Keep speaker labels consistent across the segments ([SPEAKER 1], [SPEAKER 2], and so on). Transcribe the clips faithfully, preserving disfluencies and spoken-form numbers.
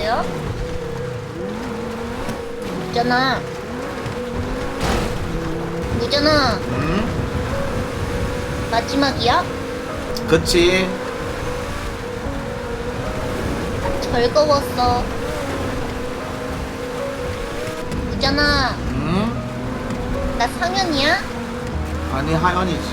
[SPEAKER 1] 뭐야? 무전아. 무전아.
[SPEAKER 2] 응?
[SPEAKER 1] 마지막이야?
[SPEAKER 2] 그치.
[SPEAKER 1] 즐거웠어. 무전아.
[SPEAKER 2] 응?
[SPEAKER 1] 나 상현이야?
[SPEAKER 2] 아니 하연이지.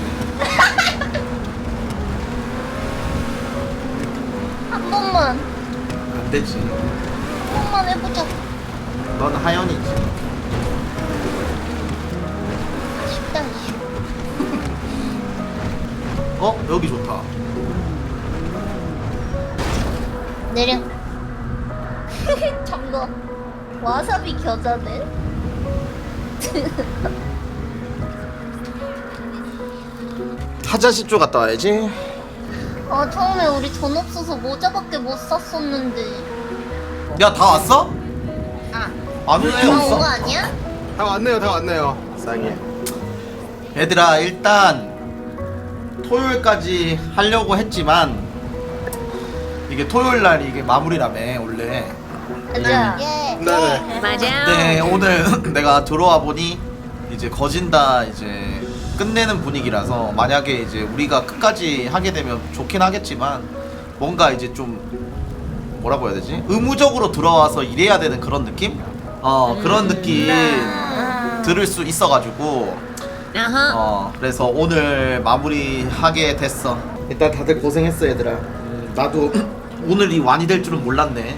[SPEAKER 1] 한 번만.
[SPEAKER 2] 안 되지.
[SPEAKER 1] 한 번만 해보자.
[SPEAKER 2] 넌 하연이지.
[SPEAKER 1] 아쉽다, 이슈.
[SPEAKER 2] 어? 여기 좋다.
[SPEAKER 1] 내려. 잠깐. 와사비 겨자네?
[SPEAKER 2] 타자시 쪽 갔다 와야지.
[SPEAKER 1] 아, 처음에 우리 돈 없어서 모자밖에 못 샀었는데.
[SPEAKER 2] 야 다 왔어?
[SPEAKER 1] 아,
[SPEAKER 2] 안 오네.
[SPEAKER 1] 다 온
[SPEAKER 2] 없어.
[SPEAKER 1] 거 아니야?
[SPEAKER 3] 다 왔네요, 다 왔네요. 쌍해.
[SPEAKER 2] 얘들아 일단 토요일까지 하려고 했지만 이게 토요일날 이게 마무리라며 원래.
[SPEAKER 1] 가자.
[SPEAKER 3] 네네.
[SPEAKER 4] 맞아.
[SPEAKER 2] 네 오늘 내가 들어와 보니 이제 거진다 이제 끝내는 분위기라서 만약에 이제 우리가 끝까지 하게 되면 좋긴 하겠지만 뭔가 이제 좀 뭐라고 해야 되지? 의무적으로 들어와서 일해야 되는 그런 느낌? 어 그런 느낌 들을 수 있어가지고
[SPEAKER 4] 아하.
[SPEAKER 2] 어 그래서 오늘 마무리하게 됐어. 일단 다들 고생했어 얘들아. 음, 나도 오늘이 완이 될 줄은 몰랐네.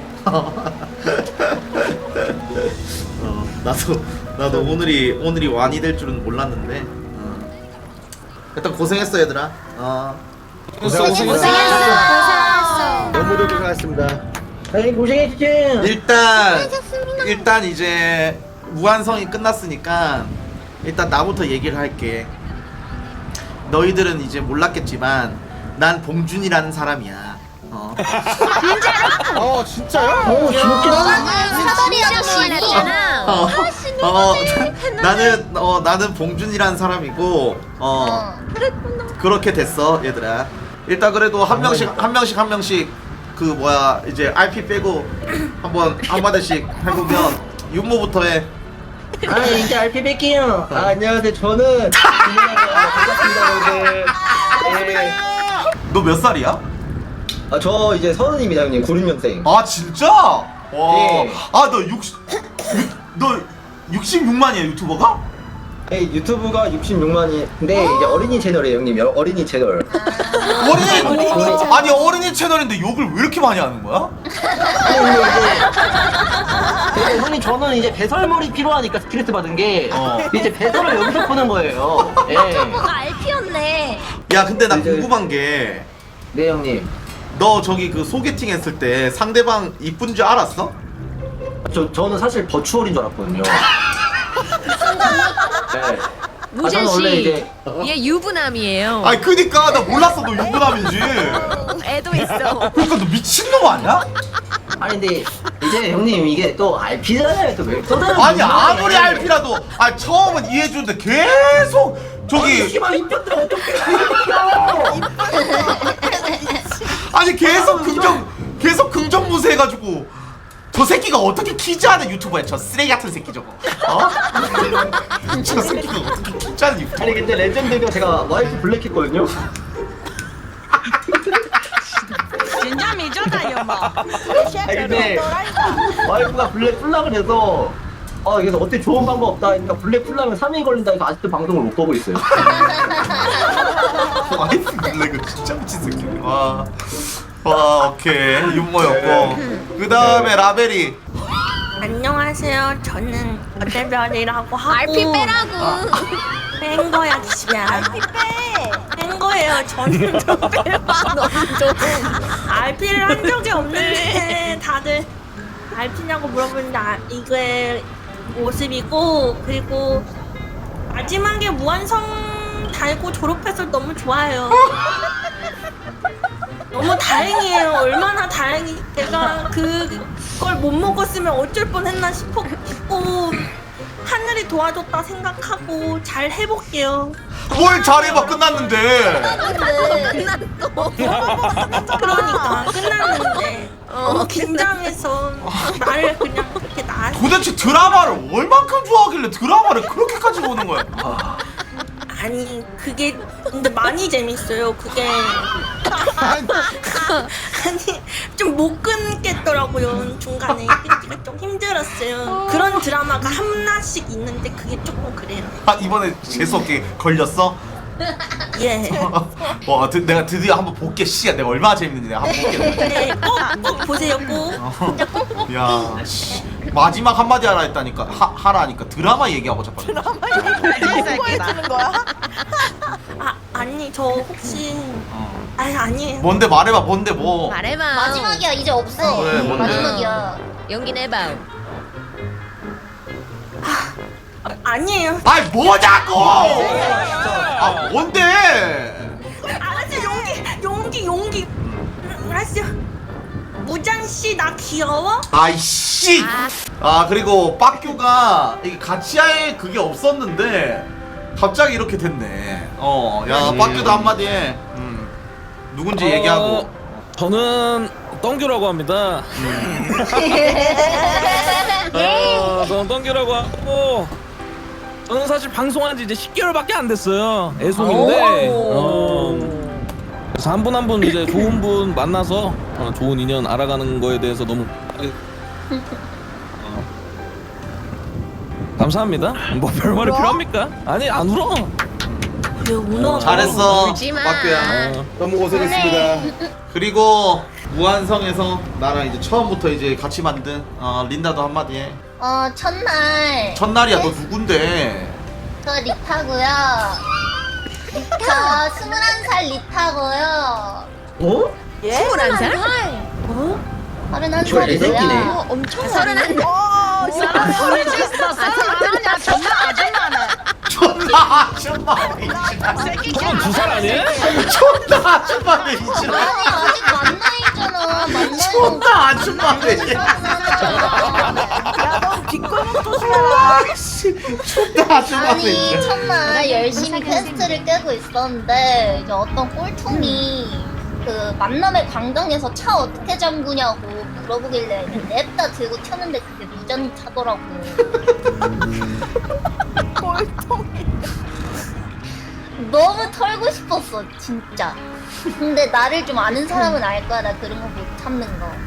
[SPEAKER 2] 어 나도 나도 오늘이 오늘이 완이 될 줄은 몰랐는데. 어. 일단 고생했어 얘들아. 어.
[SPEAKER 3] 고생하셨습니다.
[SPEAKER 4] 고생했어.
[SPEAKER 3] 너무도 고생하셨습니다.
[SPEAKER 5] 아이 고생했지.
[SPEAKER 2] 일단 일단 이제 무한성이 끝났으니까 일단 나부터 얘기를 할게. 너희들은 이제 몰랐겠지만 난 봉준이라는 사람이야. 어.
[SPEAKER 3] 어, 진짜요?
[SPEAKER 5] 어 진짜.
[SPEAKER 1] 사다리 아저씨.
[SPEAKER 4] 알았잖아.
[SPEAKER 2] 어, 어, 나는 어 나는 봉준이라는 사람이고 어
[SPEAKER 1] 어.
[SPEAKER 2] 그렇게 됐어 얘들아. 일단 그래도 한 명씩 한 명씩 한 명씩 그 뭐야 이제 알피 빼고 한번 한마디씩 해보면 윤모부터 해.
[SPEAKER 5] 아 이제 알피 뺄게요. 아 안녕하세요. 저는 반갑습니다 여러분들. 예.
[SPEAKER 2] 너 몇 살이야?
[SPEAKER 5] 아저 이제 서른입니다 형님. 구십 년생.
[SPEAKER 2] 아 진짜? 와.
[SPEAKER 5] 네.
[SPEAKER 2] 아너 육십 너 육십육만이야 유튜버가?
[SPEAKER 5] 네, 유튜브가 육십육만이. 근데 이제 어린이 채널이에요 형님. 여- 어린이 채널.
[SPEAKER 2] 어린이 아니 어린이 채널인데 욕을 왜 이렇게 많이 하는 거야?
[SPEAKER 5] 아니 근데 이제 근데 형님 저는 이제 배설물이 필요하니까 스트레스 받은 게
[SPEAKER 2] 어.
[SPEAKER 5] 이제 배설을 여기서 푸는 거예요. 예.
[SPEAKER 1] 알피였네.
[SPEAKER 2] 야 근데 나
[SPEAKER 5] 이제-
[SPEAKER 2] 궁금한 게
[SPEAKER 5] 네 형님.
[SPEAKER 2] 너 저기 그 소개팅 했을 때 상대방 이쁜 줄 알았어?
[SPEAKER 5] 저 저는 사실 버추얼인 줄 알았거든요. 네.
[SPEAKER 4] 무진
[SPEAKER 5] 아, 저는 원래
[SPEAKER 4] 씨,
[SPEAKER 5] 이제-
[SPEAKER 4] 얘 유부남이에요.
[SPEAKER 2] 아니 그니까 나 몰랐어 너 유부남인지.
[SPEAKER 4] 애도 있어.
[SPEAKER 2] 그러니까 너 미친놈 아니야?
[SPEAKER 5] 아니 근데 이제 형님 이게 또 알피잖아요. 또왜 떠나요?
[SPEAKER 2] 아니 아무리 알피라도 아 처음은 이해해주는데 계속 저기
[SPEAKER 5] 씨발 입혔다 어떻게
[SPEAKER 2] 아니 계속 긍정 계속 긍정무새 해가지고 저 새끼가 어떻게 키즈하는 유튜버야 저 쓰레기 같은 새끼 저거 어? 저 새끼가 어떻게 키즈하는 유튜버.
[SPEAKER 5] 아니 근데 레전드가 제가 와이프 블랙했거든요.
[SPEAKER 4] 진짜 미쳤다 뭐.
[SPEAKER 5] 아니 근데 와이프가 블랙 풀락을 해서 아 그래서 어때 좋은 방법 없다 하니까 블랙 풀락은 삼 일 걸린다 해서 아직도 방송을 못 보고 있어요.
[SPEAKER 2] 와이프 블랙은 진짜 미친 새끼. 와, 와 오케이 윤모였고 그 다음에 라벨이
[SPEAKER 6] 안녕하세요. 저는 어대별이라고 하고
[SPEAKER 1] 알피 빼라고.
[SPEAKER 6] 뺀 거야, 기시야. 알피 빼. 뺀 거예요. 저는 좀 빼봐. 너무 좀. 알피를 한 적이 없는데 다들 알피냐고 물어보는데 아, 이게 모습이고 그리고 마지막에 무한성 달고 졸업해서 너무 좋아요. 너무 다행이에요. 얼마나 다행이. 내가 그걸 못 먹었으면 어쩔 뻔했나 싶어 싶고 하늘이 도와줬다 생각하고 잘 해볼게요.
[SPEAKER 2] 뭘 잘해봐 끝났는데.
[SPEAKER 1] 끝났어.
[SPEAKER 6] 그러니까 끝났는데 너무 긴장해서 말을 그냥 이렇게 나.
[SPEAKER 2] 도대체 드라마를 얼만큼 좋아하길래 드라마를 그렇게까지 보는 거야?
[SPEAKER 6] 아니 그게 근데 많이 재밌어요. 그게 아니 좀 못 끊겠더라고요. 중간에 끊기가 좀 힘들었어요. 그런 드라마가 하나씩 있는데 그게 조금 그래요.
[SPEAKER 2] 아 이번에 재수없게 걸렸어?
[SPEAKER 6] 예.
[SPEAKER 2] 와 드, 내가 드디어 한번 볼게. 씨야 내가 얼마나 재밌는지 내가 한번 볼게.
[SPEAKER 6] 네, 꼭, 꼭 보세요. 꼭.
[SPEAKER 2] 야 씨. 마지막 한마디 하라 했다니까 하, 하라 하니까 드라마 얘기하고 자빠졌어.
[SPEAKER 6] 아 아니 저 혹시
[SPEAKER 2] 어.
[SPEAKER 6] 아니 아니에요.
[SPEAKER 2] 뭔데 말해봐. 뭔데 뭐.
[SPEAKER 4] 말해봐.
[SPEAKER 1] 마지막이야 이제 없어.
[SPEAKER 2] 그래, 뭔데?
[SPEAKER 1] 마지막이야.
[SPEAKER 4] 연기 내봐.
[SPEAKER 6] 아, 아니에요.
[SPEAKER 2] 아이 뭐냐고! 아 뭔데?
[SPEAKER 6] 알았어 용기 용기 용기. 음, 알았어. 무장 씨 나 귀여워?
[SPEAKER 2] 아이씨. 아 그리고 빡규가 이게 같이 할 그게 없었는데 갑자기 이렇게 됐네. 어야
[SPEAKER 3] 음.
[SPEAKER 2] 빡규도 한마디 해. 음. 누군지
[SPEAKER 7] 어,
[SPEAKER 2] 얘기하고.
[SPEAKER 7] 저는 덩규라고 합니다. 어, 저는 덩규라고 하고 저는 사실 방송한 지 이제 십 개월밖에 안 됐어요. 애송인데 어, 그래서 한 분 한 분 이제 좋은 분 만나서 어, 좋은 인연 알아가는 거에 대해서 너무 어, 감사합니다. 뭐 별말이 필요합니까? 아니 안 울어.
[SPEAKER 6] 왜 운어?
[SPEAKER 2] 잘했어
[SPEAKER 4] 울지마.
[SPEAKER 2] 빡규야.
[SPEAKER 7] 어,
[SPEAKER 3] 너무 고생했습니다.
[SPEAKER 2] 그리고 무한성에서 나랑 이제 처음부터 이제 같이 만든 어, 린다도 한마디 해.
[SPEAKER 1] 어 첫날
[SPEAKER 2] 첫날이야. 너 누군데?
[SPEAKER 1] 저 리타고요. 저 스물한 살 리타고요.
[SPEAKER 5] 어?
[SPEAKER 4] 스물한 살?
[SPEAKER 6] 어?
[SPEAKER 1] 서른한
[SPEAKER 5] 저 애새끼네.
[SPEAKER 1] 살이고요.
[SPEAKER 4] 엄청 서른한 살.
[SPEAKER 8] 소리 질렀어. 아니야 정말 아줌마네.
[SPEAKER 2] 존나 아줌마네.
[SPEAKER 7] 저는 두 살 아니에요?
[SPEAKER 2] 존나 아줌마네 이제.
[SPEAKER 1] 아니 아직 만나있잖아. 만나있는
[SPEAKER 2] 존나 아줌마네. 아이씨 존나 아줌마네
[SPEAKER 1] 아니
[SPEAKER 2] 이제.
[SPEAKER 1] 첫날 열심히 퀘스트를 깨고 있었는데 이제 어떤 꼴통이 그 만남의 광장에서 차 어떻게 잠그냐고 물어보길래 냅다 들고 튀었는데 그게 무전 차더라고. 너무 털고 싶었어 진짜. 근데 나를 좀 아는 사람은 알 거야. 나 그런 거 못 참는 거.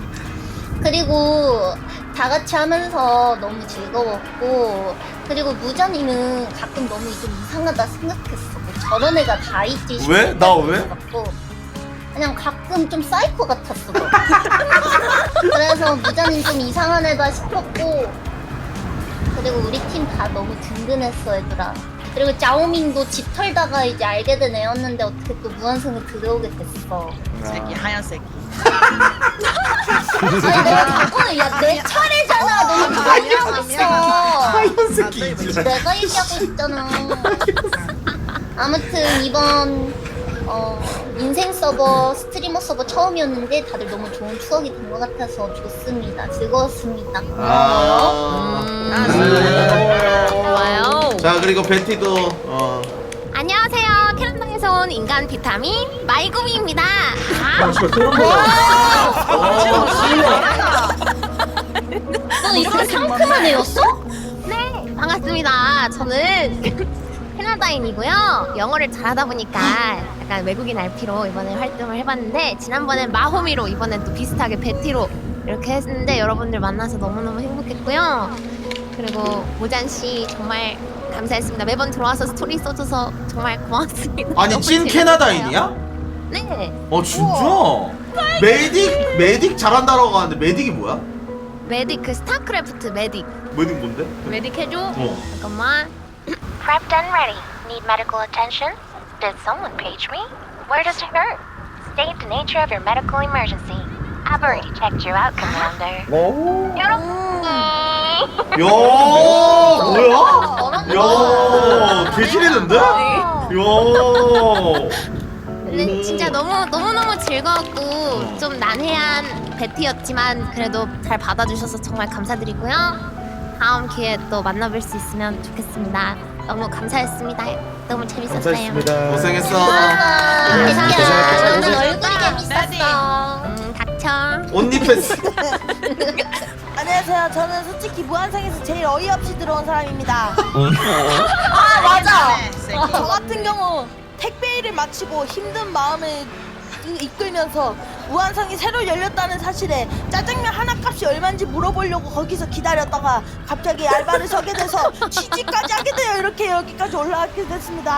[SPEAKER 1] 그리고 다 같이 하면서 너무 즐거웠고, 그리고 무전이는 가끔 너무 좀 이상하다 생각했어. 뭐 저런 애가 다 있지.
[SPEAKER 2] 왜? 나 왜?
[SPEAKER 1] 싶었고. 그냥 가끔 좀 사이코 같았어. 너. 그래서 무전이 좀 이상한 애다 싶었고, 그리고 우리 팀 다 너무 든든했어 얘들아. 그리고 짜오밍도 집 털다가 이제 알게 된 애였는데 어떻게 또 무한성에 들어오게 됐어.
[SPEAKER 8] 새끼 하얀 새끼.
[SPEAKER 1] 아니 내가 자꾸 야내 차례잖아. 너는 누가 얘기하고 있어.
[SPEAKER 2] 하얀 새끼 이제.
[SPEAKER 1] 내가 얘기하고 있잖아. 아무튼 이번 어, 인생 서버 스트리머 서버 처음이었는데 다들 너무 좋은 추억이 된 것 같아서 좋습니다. 즐거웠습니다. 고마워요.
[SPEAKER 2] 아.
[SPEAKER 4] 좋아요.
[SPEAKER 2] 자 그리고 베티도 어.
[SPEAKER 9] 안녕하세요. 캐나다에서 온 인간 비타민 마이구미입니다.
[SPEAKER 5] 아, 진짜 소름 돋아.
[SPEAKER 1] 너 이렇게 상큼한 애였어?
[SPEAKER 9] 네, 반갑습니다. 저는 캐나다인이고요. 영어를 잘하다 보니까 약간 외국인 알피로 이번에 활동을 해봤는데, 지난번엔 마호미로, 이번엔 또 비슷하게 베티로 이렇게 했는데 여러분들 만나서 너무너무 행복했고요. 그리고 모잔 씨 정말 감사했습니다. 매번 들어와서 스토리 써줘서 정말 고맙습니다.
[SPEAKER 2] 아니
[SPEAKER 9] 너무
[SPEAKER 2] 찐
[SPEAKER 9] 재밌었어요.
[SPEAKER 2] 캐나다인이야?
[SPEAKER 9] 네.
[SPEAKER 2] 어 진짜? 메딕 메딕 잘한다라고 하는데 메딕이 뭐야?
[SPEAKER 9] 메딕, 그 스타크래프트 메딕.
[SPEAKER 2] 메딕 뭔데?
[SPEAKER 9] 메딕 해줘.
[SPEAKER 2] 어.
[SPEAKER 9] 잠깐만. Prepped and ready. Need medical attention? Did someone page me? Where does it hurt? State the nature of your medical emergency. I've already checked you out, Commander. 여러분.
[SPEAKER 2] 야 뭐야? 야 개질이는데? 야.
[SPEAKER 9] 근데 진짜 너무 너무 너무 즐거웠고 좀 난해한 배티였지만 그래도 잘 받아주셔서 정말 감사드리고요. 다음 기회에 또 만나뵐 수 있으면 좋겠습니다. 너무 감사했습니다. 너무 재밌었어요.
[SPEAKER 3] 감사했습니다.
[SPEAKER 2] 고생했어.
[SPEAKER 1] 고마워.
[SPEAKER 3] 고생했어.
[SPEAKER 1] 너는
[SPEAKER 3] 고생했어.
[SPEAKER 1] 얼굴이 재밌었어.
[SPEAKER 9] 음, 닥쳐. 참.
[SPEAKER 2] 온니패스.
[SPEAKER 6] 안녕하세요. 저는 솔직히 무한상에서 제일 어이없이 들어온 사람입니다.
[SPEAKER 8] 아
[SPEAKER 6] 맞아.
[SPEAKER 8] 세기.
[SPEAKER 6] 저 같은 경우 택배 일을 마치고 힘든 마음을 이- 이끌면서 무한상이 새로 열렸다는 사실에 짜장면 하나 값이 얼마인지 물어보려고 거기서 기다렸다가 갑자기 알바를 서게 돼서 취직까지 하게 되어 이렇게 여기까지 올라가게 됐습니다.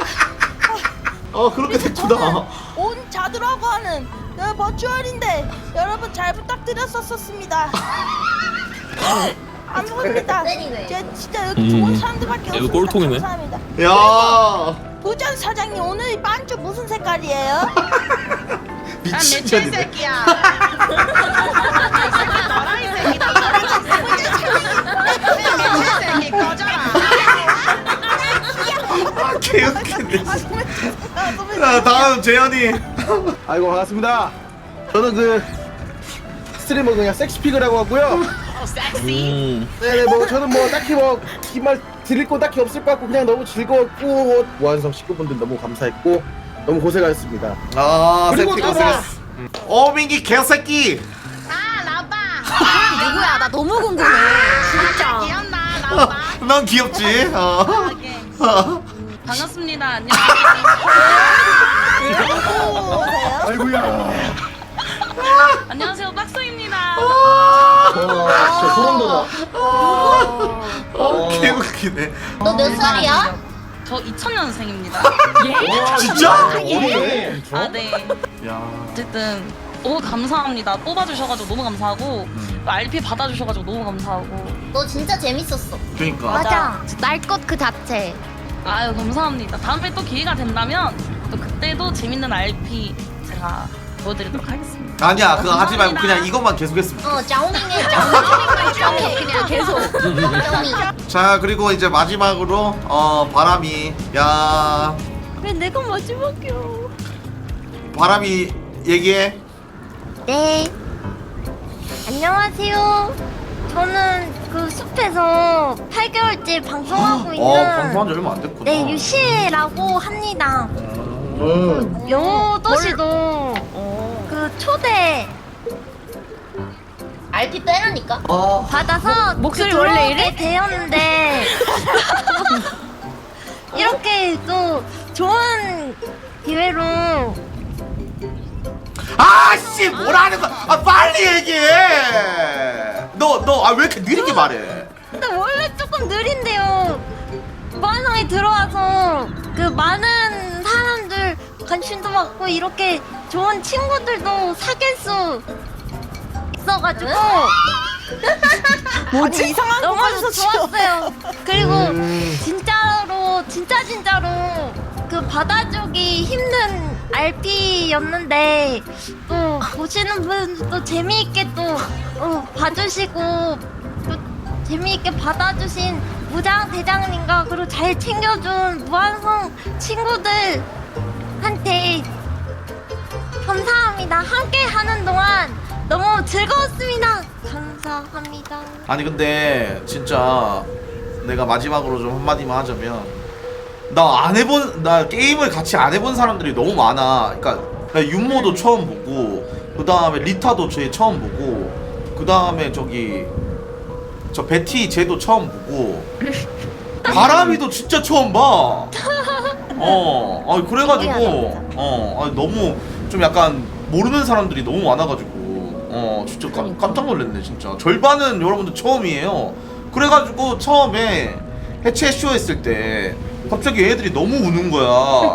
[SPEAKER 2] 아 그렇게 됐구나.
[SPEAKER 6] 온 자두라고 하는 어, 버추얼인데 여러분 잘 부탁드렸었습니다. 안 먹습니다. 제 진짜 여기 좋은
[SPEAKER 7] 음.
[SPEAKER 6] 사람들밖에
[SPEAKER 7] 이거
[SPEAKER 6] 없습니다.
[SPEAKER 7] 꼴통이네.
[SPEAKER 6] 감사합니다.
[SPEAKER 2] 야
[SPEAKER 6] 부전 사장님 오늘 이 반주 무슨 색깔이에요?
[SPEAKER 8] 난 매체
[SPEAKER 2] 미친년이네.
[SPEAKER 8] 새끼야. 너라 이 새끼다. 매체 새끼 꺼져라.
[SPEAKER 2] 아 개웃기네.
[SPEAKER 6] 아, 너무
[SPEAKER 2] 자 다음 재현이.
[SPEAKER 3] 아이고 반갑습니다. 저는 그 스트리머 그냥 섹시피그라고 하고요.
[SPEAKER 7] 음.
[SPEAKER 3] 네네 뭐 저는 뭐 딱히 뭐 긴 말 드릴 거 딱히 없을 것 같고 그냥 너무 즐거웠고 무한성 식구분들 너무 감사했고 너무 고생하셨습니다.
[SPEAKER 2] 아
[SPEAKER 3] 그리고
[SPEAKER 2] 새끼
[SPEAKER 3] 따라!
[SPEAKER 2] 고생했어. 어 민기 개새끼.
[SPEAKER 8] 아 라바.
[SPEAKER 9] 누구야? 나 너무 궁금해.
[SPEAKER 8] 진짜 귀엽나 라바.
[SPEAKER 2] 넌 귀엽지. 어. 어.
[SPEAKER 8] 반갑습니다. 안녕하세요.
[SPEAKER 6] 오세요?
[SPEAKER 3] 아이고야.
[SPEAKER 8] 안녕하세요. 박소입니다.
[SPEAKER 5] 와 진짜 소름 돋아.
[SPEAKER 2] 어, 개웃기네.
[SPEAKER 1] 너 몇 살이야?
[SPEAKER 8] 저 이천 년생입니다.
[SPEAKER 2] 진짜?
[SPEAKER 5] 어리네.
[SPEAKER 8] 아 네.
[SPEAKER 2] 야.
[SPEAKER 8] 어쨌든 너무 감사합니다. 뽑아주셔가지고 너무 감사하고 또 알피 받아주셔가지고 너무 감사하고
[SPEAKER 1] 너 진짜 재밌었어.
[SPEAKER 2] 그러니까.
[SPEAKER 9] 맞아. 날 것 그 자체.
[SPEAKER 8] 아유 감사합니다. 다음에 또 기회가 된다면 또 그때도 재밌는 알피 제가 보여드리도록 하겠습니다.
[SPEAKER 2] 아니야 그거 하지 말고 그냥 이것만 계속했으면
[SPEAKER 1] 어, 짜오밍해, 짜오밍. 짜오밍 그냥 계속. 짜오밍.
[SPEAKER 2] 자 그리고 이제 마지막으로 어 바람이 야
[SPEAKER 6] 왜 내가 마지막이야?
[SPEAKER 2] 바람이 얘기해.
[SPEAKER 9] 네. 안녕하세요. 저는 그 숲에서 팔 개월째 방송하고 있는
[SPEAKER 2] 어 방송한 지 얼마 안 됐구나.
[SPEAKER 9] 네 유시라고 합니다.
[SPEAKER 5] 음.
[SPEAKER 9] 영어 도시도 그 초대
[SPEAKER 1] 알피 빼라니까.
[SPEAKER 5] 아
[SPEAKER 9] 받아서 목소리 원래 이래 되었는데 이렇게 또 좋은 기회로
[SPEAKER 2] 아씨 뭐라는 거야? 아 빨리 얘기해. 너 너 아 왜 이렇게 느리게 말해?
[SPEAKER 9] 근데 원래 조금 느린데요. 무한상에 들어와서 그 많은 사람들 관심도 받고 이렇게 좋은 친구들도 사귈 수 있어가지고
[SPEAKER 6] 뭐지? 이상한 거
[SPEAKER 9] 너무
[SPEAKER 6] 가르쳐.
[SPEAKER 9] 좋았어요. 그리고
[SPEAKER 3] 음.
[SPEAKER 9] 진짜로 진짜 진짜로 그 받아주기 힘든 알피였는데 또 보시는 분도 재미있게 또 어, 봐주시고 또 재미있게 받아주신 무장 대장님과 그리고 잘 챙겨준 무한성 친구들한테 감사합니다. 함께 하는 동안 너무 즐거웠습니다. 감사합니다.
[SPEAKER 2] 아니 근데 진짜 내가 마지막으로 좀 한마디만 하자면 나 안 해본 나 게임을 같이 안 해본 사람들이 너무 많아. 그러니까 나 윤모도 처음 보고 그 다음에 리타도 쟤 처음 보고 그 다음에 저기 저 베티 쟤도 처음 보고 바람이도 진짜 처음 봐. 어, 아 그래가지고 어, 아니, 너무 좀 약간 모르는 사람들이 너무 많아가지고 어 진짜 깜, 깜짝 놀랐네 진짜. 절반은 여러분들 처음이에요. 그래가지고 처음에 해체 쇼 했을 때 갑자기 애들이 너무 우는 거야.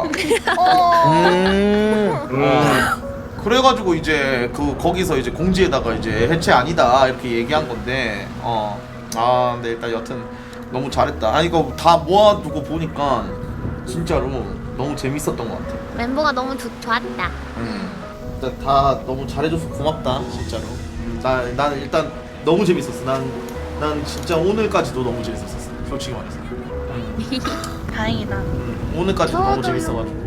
[SPEAKER 3] 음.
[SPEAKER 2] 어, 그래가지고 이제 그 거기서 이제 공지에다가 이제 해체 아니다 이렇게 얘기한 건데 어 아 근데 일단 여튼 너무 잘했다. 아니 이거 다 모아두고 보니까 진짜로 너무 재밌었던 것 같아.
[SPEAKER 9] 멤버가 너무 좋, 좋았다.
[SPEAKER 2] 음. 일단 다 너무 잘해줘서 고맙다 진짜로. 나 난 일단 너무 재밌었어. 난 난 진짜 오늘까지도 너무 재밌었었어. 솔직히 말해서. 음.
[SPEAKER 8] 다행이다.
[SPEAKER 2] 음, 오늘까지도 너무
[SPEAKER 9] 저도.
[SPEAKER 2] 재밌어가지고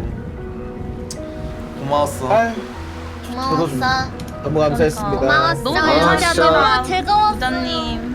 [SPEAKER 2] 고마웠어.
[SPEAKER 3] 아유,
[SPEAKER 1] 고마웠어.
[SPEAKER 3] 너무 감사했습니다.
[SPEAKER 9] 고마웠어.
[SPEAKER 8] 너무
[SPEAKER 9] 진짜
[SPEAKER 8] 감사합니다.
[SPEAKER 9] 너무 즐거웠어.
[SPEAKER 8] 부장님.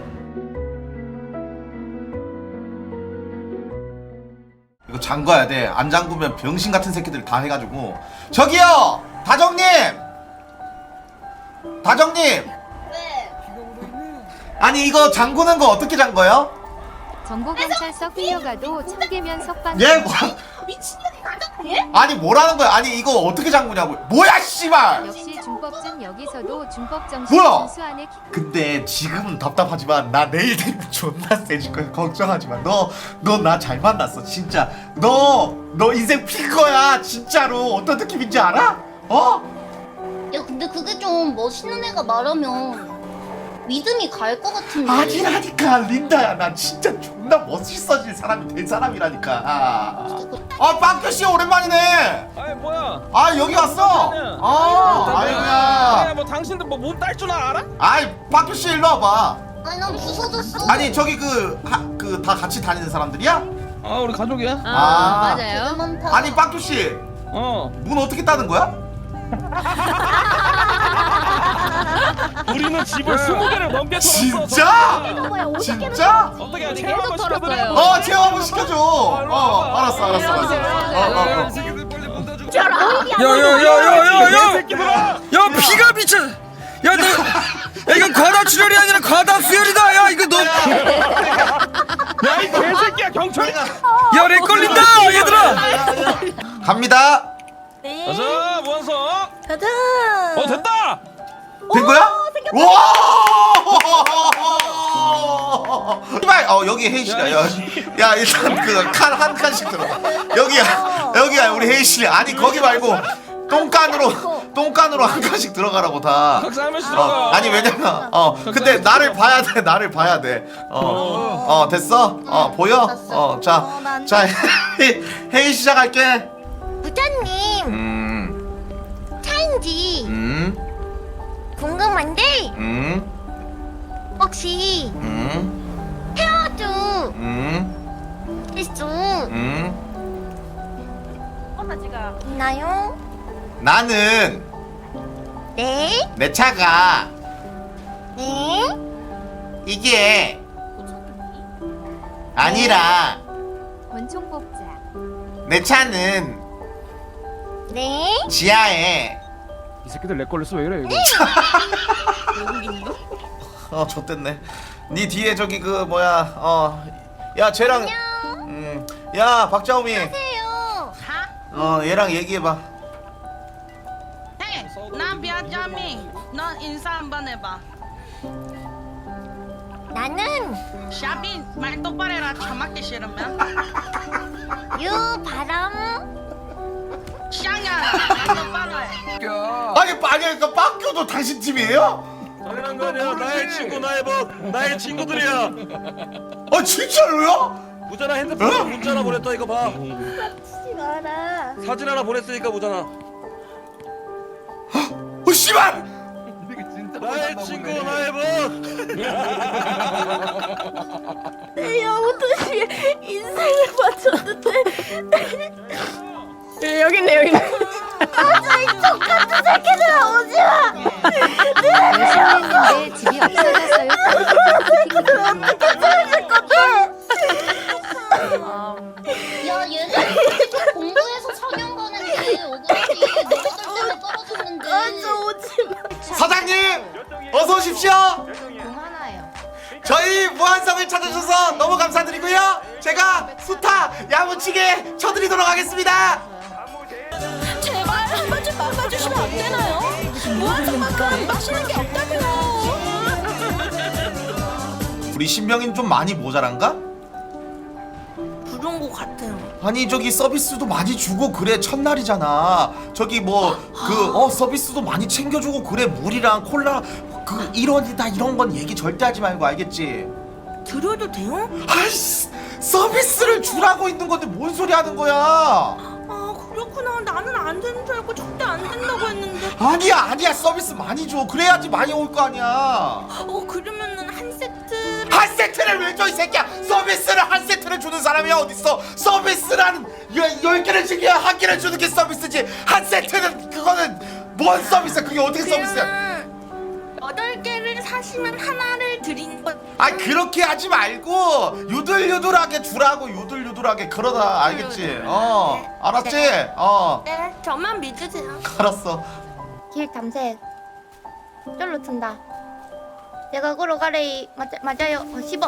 [SPEAKER 2] 이거 잠가야 돼. 안 잠그면 병신 같은 새끼들 다 해가지고. 저기요, 다정님. 다정님.
[SPEAKER 1] 네.
[SPEAKER 2] 아니 이거 잠그는 거 어떻게 잠궈요?
[SPEAKER 9] 정보경찰서 끌려가도 청계면 석방.
[SPEAKER 2] 예? 뭐,
[SPEAKER 1] 미친년이 가졌네?
[SPEAKER 2] 아니 뭐라는 거야? 아니 이거 어떻게 잠그냐고? 뭐야 씨발!
[SPEAKER 9] 역시 준법전 여기서도 준법 정신
[SPEAKER 2] 뭐야?
[SPEAKER 9] 준수안에
[SPEAKER 2] 근데 지금은 답답하지만 나 내일 되면 존나 세질 거야. 걱정하지 마. 너 너 나 잘 만났어 진짜. 너 너 인생 필 거야 진짜로. 어떤 느낌인지 알아? 어?
[SPEAKER 1] 야 근데 그게 좀 멋있는 애가 말하면 믿음이 갈 것 같은데.
[SPEAKER 2] 아니라니까 린다야. 나 진짜 존나 멋있어질 사람이 될 사람이라니까. 아 빵규씨 오랜만이네.
[SPEAKER 7] 아이 뭐야?
[SPEAKER 2] 아 여기 왔어. 아 아이고야.
[SPEAKER 7] 아니 뭐 당신들 뭐 몸 딸 줄 알아?
[SPEAKER 2] 아이 빵규씨 일로 와봐.
[SPEAKER 1] 아니 난 부서졌어.
[SPEAKER 2] 아니 저기 그 그 다 같이 다니는 사람들이야?
[SPEAKER 7] 아 우리 가족이야.
[SPEAKER 2] 아,
[SPEAKER 1] 되게
[SPEAKER 9] 맞아요.
[SPEAKER 1] 많다.
[SPEAKER 2] 아니 빵규씨
[SPEAKER 7] 어.
[SPEAKER 2] 문 어떻게 따는 거야?
[SPEAKER 7] 우리는 집을 스무 개를 넘게 털었어.
[SPEAKER 2] 진짜?
[SPEAKER 1] 뭐야 어떻게
[SPEAKER 2] 진짜?
[SPEAKER 7] 어떻게
[SPEAKER 9] 우리
[SPEAKER 7] 체험 한번
[SPEAKER 9] 계속
[SPEAKER 7] 시켜드려?
[SPEAKER 9] 털었어요.
[SPEAKER 2] 어 체험 한번 시켜줘. 어 알았어 알았어 알았어. 어, 어, 어.
[SPEAKER 10] 야야야야야야! 야 피가 미쳐! 야 너 야 이건 과다 출혈이 아니라 과다 수혈이다! 야 이거 너!
[SPEAKER 7] 야 이 개새끼야 경찰이.
[SPEAKER 10] 야 렉 걸린다 얘들아!
[SPEAKER 2] 갑니다.
[SPEAKER 6] 네.
[SPEAKER 7] 가자 무한성.
[SPEAKER 6] 가자.
[SPEAKER 7] 어 됐다.
[SPEAKER 2] 된 거야? 와! 이발 어 여기 혜이씨가 야, 야 일단 그 칸 한 칸씩 들어가. 여기야 여기야 우리 혜이씨. 아니 거기 말고 똥간으로 똥간으로 한 칸씩 들어가라고 다.
[SPEAKER 7] 각자 한 명씩
[SPEAKER 2] 어,
[SPEAKER 7] 들어가.
[SPEAKER 2] 아니 왜냐면 어 근데 나를 봐야 돼 나를 봐야 돼어어 됐어 어 보여 어자자 회의 시작할게.
[SPEAKER 9] 부장님
[SPEAKER 2] 음음
[SPEAKER 9] 차인지
[SPEAKER 2] 음,
[SPEAKER 9] 궁금한데
[SPEAKER 2] 음,
[SPEAKER 9] 혹시
[SPEAKER 2] 음,
[SPEAKER 9] 헤어져
[SPEAKER 2] 음,
[SPEAKER 9] 실수
[SPEAKER 2] 음.
[SPEAKER 9] 있나요?
[SPEAKER 2] 나는
[SPEAKER 9] 네?
[SPEAKER 2] 내 차가
[SPEAKER 9] 네?
[SPEAKER 2] 이게 아니라
[SPEAKER 9] 권총 뽑자.
[SPEAKER 2] 내 차는
[SPEAKER 9] 네?
[SPEAKER 2] 지하에
[SPEAKER 10] 이 새끼들 렉 걸렸어 왜 이래 이거?
[SPEAKER 2] 어 좆됐네. 니 뒤에 저기 그 뭐야 어야 쟤랑 음야 박자오미
[SPEAKER 9] 안녕하세요.
[SPEAKER 2] 어 얘랑 얘기해봐.
[SPEAKER 8] 헤이, 난 비아자미. 넌 인사 한번 해봐.
[SPEAKER 9] 나는
[SPEAKER 8] 샤빈 말 똑바로 해라. 처맞기 싫으면.
[SPEAKER 9] 유바람
[SPEAKER 8] 샹야 말 똑바로 해.
[SPEAKER 2] 아니 아니 그 빠큐도 당신 팀이에요?
[SPEAKER 10] 당연한 거 아니야. 나의 친구 나의 뭐 나의 친구들이야.
[SPEAKER 2] 아 진짜로요?
[SPEAKER 10] 무전아 핸드폰에
[SPEAKER 2] 어?
[SPEAKER 10] 문자 하나 보냈다 이거 봐.
[SPEAKER 6] 하지 마라.
[SPEAKER 10] 사진 하나 보냈으니까 무전아.
[SPEAKER 2] 어 씨발.
[SPEAKER 10] 나의 친구 나의 뭐.
[SPEAKER 6] 내 영혼도시 인생을 바쳤는데. 예, 여기 있네 여기 있네. 아저 이 족같은 새끼들아 오지마.
[SPEAKER 9] 열심히 했는데 집이 없어졌어요.
[SPEAKER 6] 어떻게 찾을 건데?
[SPEAKER 1] 야 얘네 진짜 공부해서 사냥 가는데 억울하지. 너희들 때문에 떨어졌는데.
[SPEAKER 6] 아저 오지마.
[SPEAKER 2] 사장님 어서 오십시오.
[SPEAKER 1] 하나요.
[SPEAKER 2] 저희 무한성을 찾아주셔서 너무 감사드리고요. 제가 수타 야무치게 쳐드리도록 하겠습니다.
[SPEAKER 6] 제발 한 번쯤 막아주시면 안 되나요? 무한성만큼 맛있는 게 없다고요.
[SPEAKER 2] 우리 신병인 좀 많이 모자란가?
[SPEAKER 6] 그런 거 같아요.
[SPEAKER 2] 아니 저기 서비스도 많이 주고 그래 첫날이잖아. 저기 뭐 그 어 서비스도 많이 챙겨주고 그래. 물이랑 콜라 그 일원이다 이런 건 얘기 절대 하지 말고 알겠지?
[SPEAKER 6] 드려도 돼요?
[SPEAKER 2] 아이씨 서비스를 주라고 있는 건데 뭔 소리 하는 거야?
[SPEAKER 6] 아 그렇구나. 나는 안 되는 줄 알고 절대 안 된다고 했는데.
[SPEAKER 2] 아니야 아니야 서비스 많이 줘. 그래야지 많이 올 거 아니야.
[SPEAKER 6] 어 그러면은 한 세트.
[SPEAKER 2] 한 세트를 왜 줘 이 새끼야. 서비스를 한 세트를 주는 사람이 어딨어. 서비스라는 열, 열 개를 주기야 한 개를 주는 게 서비스지. 한 세트는 그거는 뭔 서비스야. 그게 어떻게 서비스야.
[SPEAKER 6] 그러면 여덟 개를 사시면 하나를 드린 거.
[SPEAKER 2] 아 그렇게 하지 말고 유들유들하게 주라고. 유들유들하게 그러다 알겠지? 어 알았지? 어
[SPEAKER 6] 네, 저만 믿으세요.
[SPEAKER 2] 알았어.
[SPEAKER 1] 길 탐색. 쫄로 튼다. 내가 걸어 가래. 맞아, 맞아요. 어, 씹어. 아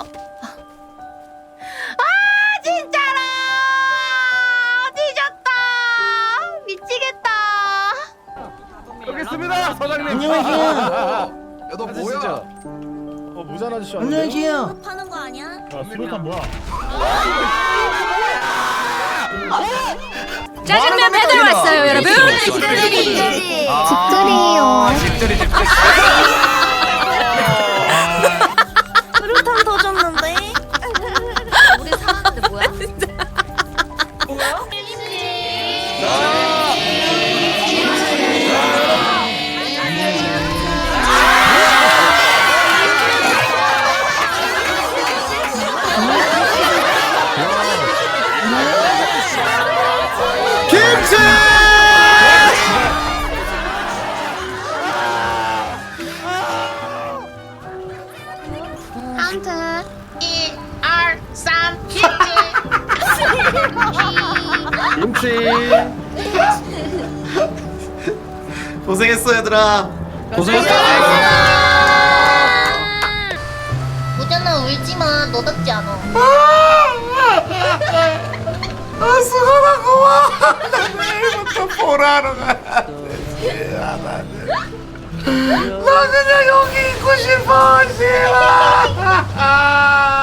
[SPEAKER 1] 진짜로 뒤졌다. 미치겠다.
[SPEAKER 3] 여기 있습니다 사장님.
[SPEAKER 10] 안녕하세요.
[SPEAKER 3] 야너 뭐야? 어 무전 아저씨
[SPEAKER 10] 안녕하세요.
[SPEAKER 6] 파는 거 아니야?
[SPEAKER 3] 수류탄 뭐야?
[SPEAKER 4] 짜장면 배달 왔어요, 여러분.
[SPEAKER 1] 집들이.
[SPEAKER 2] 아,
[SPEAKER 1] 집들이요.
[SPEAKER 2] 집들이 집들이.
[SPEAKER 6] 수류탄 터졌는데?
[SPEAKER 9] 우리 사왔는데 뭐야?
[SPEAKER 2] 김치!
[SPEAKER 1] 아무튼 일, 알, 삼,
[SPEAKER 3] 김치.
[SPEAKER 2] 고생했어 얘들아.
[SPEAKER 7] 고생했어.
[SPEAKER 1] 무전아 울지마. 너답지 않아.
[SPEAKER 2] 아 수고하고 고마워. 나 내일부터 보라하러 가야지. 아, 나는 나 그냥 여기 있고 싶어. 싫어.